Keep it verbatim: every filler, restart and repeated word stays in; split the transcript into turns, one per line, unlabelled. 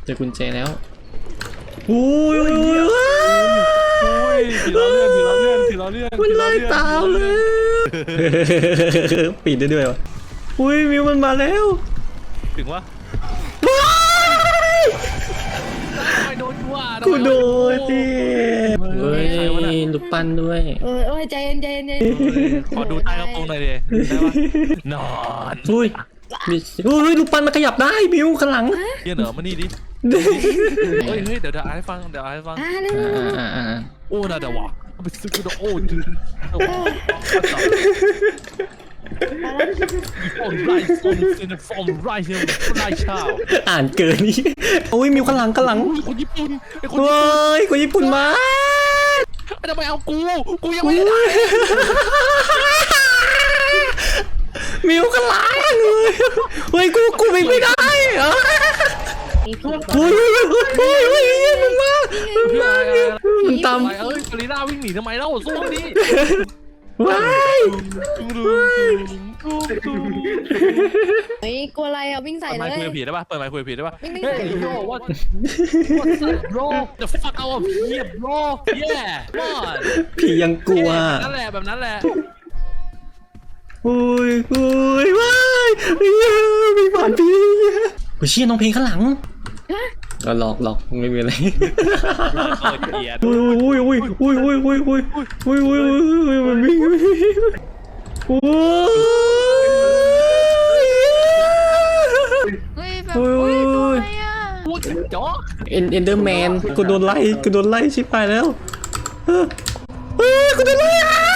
จอกุญแจแล้วโอ้ยโอ้ยโอ้ย
ถือล้อเลื่อนถือล้อเลื่อนถือล้อเลื่อน
มันไล่ตามเลยปิดได้ด้วยวะอุ้ยมิวมันมาแล้ว
ถึงวะไม่โดนกูอ่ะ
กูโดนดิเฮ้ยลูกปั้นด้วย
เออเออใจเย็นใจเย็นใจเย็น
ขอดูใต้กระโปรงหน่อยดิได้ปะนอน
อุ้ยมีอุ้ยลูกปั้นมันขยับได้มิวข้างหลัง
เยี่ยเหนอมานี่ดิเฮ้ยเฮ้ยเดี๋ยวเดี๋ยวอ่านให้ฟังเดี๋ยวอ่านให้ฟัง
อ่าเร็ว
อ่าอ่า
โอ้น่าเดี๋ยววะไปซื้อกูโอ้ฟอร์มไรฟอร์มเซนฟอร์มไรเซนไรชาว
อ่านเกินนี่โอ้ยมิวข้างหลังข้างหลัง
คนญี่ปุ่นไอ้คน
เฮ้ยคนญี่ปุ่นมา
ทำไมเอากูกูยังไม่ได้
มิวข้างหลังเลยเฮ้ยกูกูวิ่งไม่ได้เหรอเฮ้ยเฮ้ยเฮ้ยเฮ้ยมึงมามึงมามึงตาม
เอ้ยกาลิน่าวิ่งหนีทำไมเล่าสู้ดิ
ว้าย
เฮ้ยกลัวอะไรอ่ะวิ่งใส่
เปิด
เล
ไมค์คุย
ย
กับผีได้ป่ะเปิดไมค์คุยกับผีได้ป่ะ
วิ่งไม่
เฮ้ย
ใส่
โย่ what what's up bro the fuck out of here bro yeah come on
ผียังกลัว
นั่นแหละแบบนั้นแหละ
อุ้ยอุ้ยว้ายมีผ่านผีกูเชี่ยน้องเพลงข้างหลังก็หลอกหลอกไม่มีอะไร
เออเกลียด
อุ้ยอุ้ยอุ้ยอุ้ยอุ้ยอุ้ยอุ้ยอุ้ยอุ้ยอุ้ยมันวิ่งโอ้ย
เฮ้ยแบบอุ้ยตัวอะไรอ่ะ
พูดจ๊อก
เอ็นเอ็นเดอร์แมนกูโดนไล่กูโดนไล่ชิบหายแล้วเฮ้ยกูโดนไล่อ่ะ